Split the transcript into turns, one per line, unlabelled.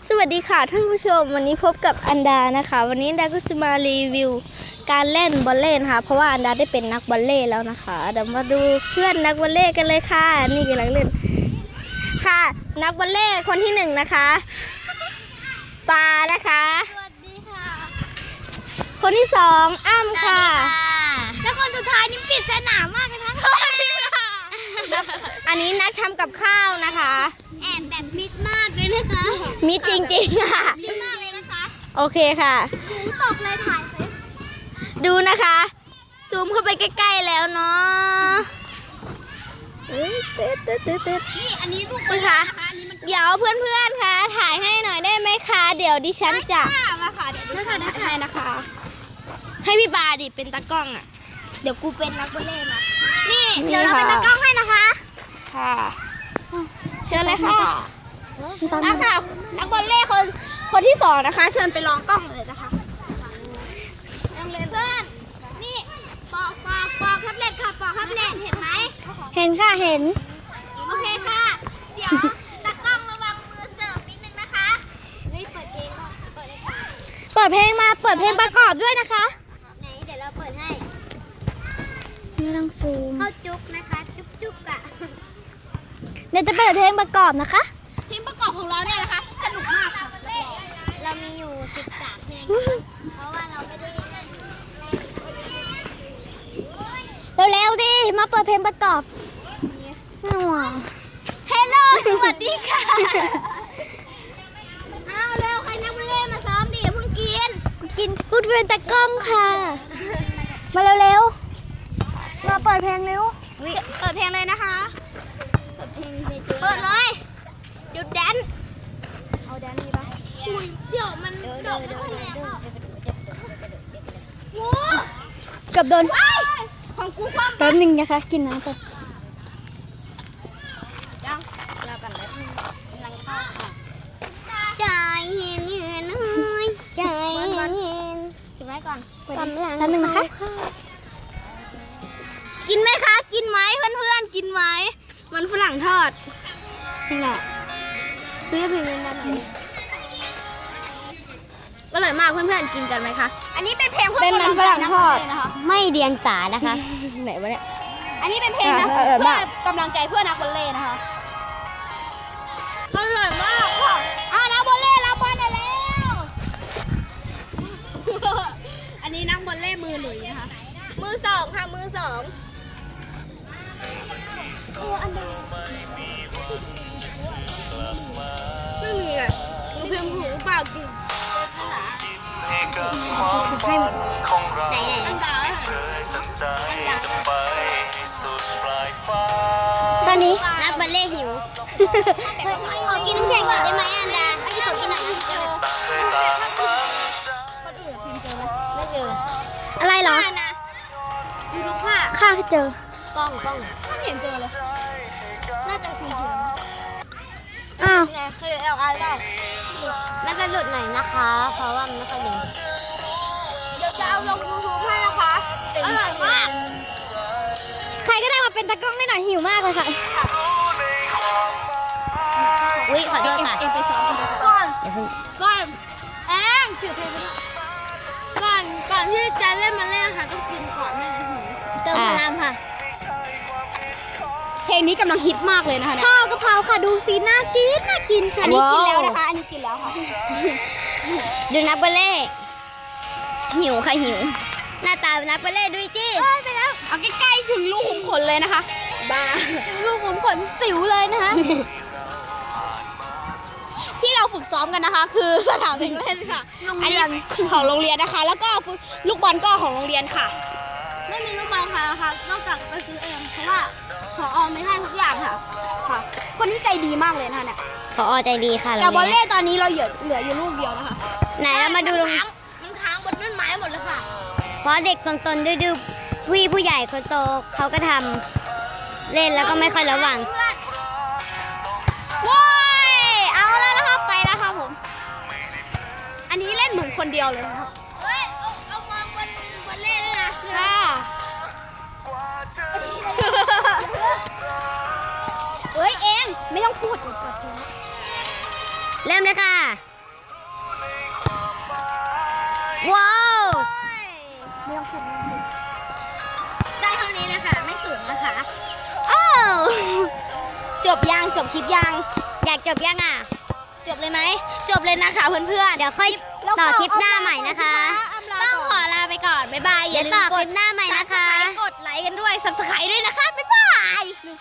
สวัสดีค่ะท่านผู้ชมวันนี้พบกับอันดานะคะวันนี้อันดาก็จะมารีวิวการเล่นบอลเล่นะคะเพราะว่าอันดาได้เป็นนักบอลเล่แล้วนะคะเดี๋ยวมาดูเพื่อนนักบอลเล่กันเลยค่ะนี่กำลังเล่นค่ะนักบอลเล่คนที่1นะคะปานะคะ
สวัสดีค่ะ
คนที่2อ้ำค่ะ
แล้วคนสุดท้ายนี่ปริศนามากเลยนะสวัสดีค่ะ
อันนี้นักทำกับข้าวนะคะ
แอบแบบมิดมากเลยนะคะ
มิดจริงๆค่ะ
มิดมากเลยนะคะ
โอเคค่ะ
หูตกเลยถ่ายสิ
ดูนะคะซูมเข้าไปใกล้ๆแล้วเนาะ
นี่อันนี้ลูก
คุณคะเดี๋ยวเพื่อนๆคะถ่ายให้หน่อยได้ไหมคะเดี๋ยวดิฉันจะ
มาค่ะเดี๋ยวดิฉันถ่ายนะคะ
ให้พี่ปาดิเป็นตากล้องอ่ะเดี๋ยวกูเป็นนักบอลเล่มา
นี่เดี๋ยวเราเป็นตากล้องให้นะคะ
ค่ะเชิญเลยค่ะนะคะนักบอลเล่คนที่2นะคะเชิญไปลองกล้องเลยนะคะยังเลยเพื่อนนี่ปอกแท็บเล็ตค่ะปอกแท็บเล็ตเห็นไหม
เห็นค่ะเห็น
โอเคค่ะเดี๋ยวตากล้องระวังมือเสิร์ฟนิดนึงนะคะ
นี่เปิดเพลงก่อนเปิดเพลงประกอบด้วยนะคะไหนเดี๋ยวเราเปิดให้
ไม่ต้องซูม
เข้าจุ๊บนะคะจุ๊บอ่ะ
เดี๋ยวจะเปิดเพลงประกอบนะคะ
เพลงประกอบของเราเนี่ยนะคะสนุกมากค่ะเรามีอยู่13เพลงเพราะว่าเราไม่ได้
เร็วๆดิมาเปิดเพลงประกอบเฮลโลสวัสดีค่ะเอาเร็วใครนักบอลเล่มาซ้อมดิเพิ่งกินกูเป็นตากล้องค่ะมาเร็วๆมาเปิดเพลงเร็วเปิดเพลงเลยนะคะเปิดเลยหยุดแดนเอาแดนนี่ปะเดี๋ยวมันโดดงูกับโดนของกูความแป๊บนึงนะคะกินน้ำก่อน
ยังเรากันแล้วกำลังเข้าค่ะใจเย็นเย็นใจเย็นกินไว้ก่อน
กำลังแป๊บนึงนะคะกินไหมคะกินไหมเพื่อนๆกินไหมมันฝรั่งทอดนี่แหละซื้อเพลงนั้นไหนอร่อยมากเพื่อนๆกินกันไหมคะ
อันนี้เป็นเพลง
เป็นมันฝรั่งทอด
ไม่เดียงสานะคะ
ไหนวะเนี่ย
อันนี้เป็นเพลงนะเพื่อกำลังใจเพื่อนักบอลเล่นะคะ
อร่อยมากค่ะ
นักบอลเล่รับบอลได้แล้ว
อันนี้นักบอลเล่มือหลุยนะคะมือ2ค่ะมือ2ไม่มีอ่ะเพียงหูเปล่ากิน
ให้ของเราเคยตั้งใจจะไปสุดปลายฟ้า
ตอนนี้
นักบอลเล่หิวขอกินน้ำแข็งก่อนได้ไหมอันดาพี่ขอกินหน่อยนะไม่เจอ
อะไรเหรอ
ดูรูปภาพ
ข้าเจอก
ล้องไม่เห็นเจอเลยน่าจะคุยถึง
อ้าว
ไงเคยเอาอะไรบ้างน่าจะหลุดหน่อยนะคะเพราะว่ามันไม่ค่อยดี
เดี๋ยวจะเอาลง YouTube ให้นะคะอร่อยมากใครก็ได้มาเป็นตากล้องได้หน่อยหิวมากเลยค่ะ
อุ้ยขอโทษค่ะ
ก่อนแองถือเพลงก่อนที่จะเล่นมาเล่นค่ะต้องกินก่อนนะ
เติมพลังค่ะ
เพลงนี้กำลังฮิตมากเลยนะคะข้าวกะเพราค่ะดูสิน่ากินค่ะอันนี้กินแล้วนะคะอันนี้กินแล้วค่ะ
ดูนักบอลเล่
หิวค่ะหิว
หน้าตานักบอลเล่ดูจี้
ไปแล้วเอาใกล้ๆถึงลูกขุมขนเลยนะคะบ้าลูกขุมขนสิวเลยนะคะที่เราฝึกซ้อมกันนะคะคือสนามเด็กเล่นค่ะอันนี้ของโรงเรียนนะคะแล้วก็ลูกบอลก็ของโรงเรียนค่ะไม่มีลูกบอลค่ะนอกจากไปซื้อเองเพราะว่าผอ.ไม่ให้ทุกอย่างค่ะคนที่ใจดีมากเลยนะคะเนี่ย
ผอ.ใจดีค่ะ
แต่บอลเล่ตอนนี้เราเหลืออยู่ลูกเดียวนะคะ
ไหนเรามาดูมัน
ค้างบนต้นไม้หมดเลยค่ะ
เพราะเด็กซนๆดื้อๆผู้ใหญ่คนโตเขาก็ทำเล่นแล้วก็ไม่ค่อยระวัง
ว้ายเอาแล้วนะคะไปแล้วค่ะผมอันนี้เล่นเหมือนคนเดียวเลยนะครับเฮ้ยเอามาบนเล่นด้วยนะค่ะเฮ้ยเองไม่ต้องพูด
เริ่มเลยค่ะได้เท่านี้นะคะไม่สูงนะคะอ้าว จบคลิปยังอยากจบยังอ่ะจบเลยไหมจบเลยนะคะเพื่อนๆเดี๋ยวค่อยต่อคลิปหน้าใหม่นะคะต้องขอลาไปก่อนบ๊ายบายอย่าลืมกดหน้าใหม่นะคะกดไลค์กันด้วย Subscribe ด้วยนะคะบ๊ายบาย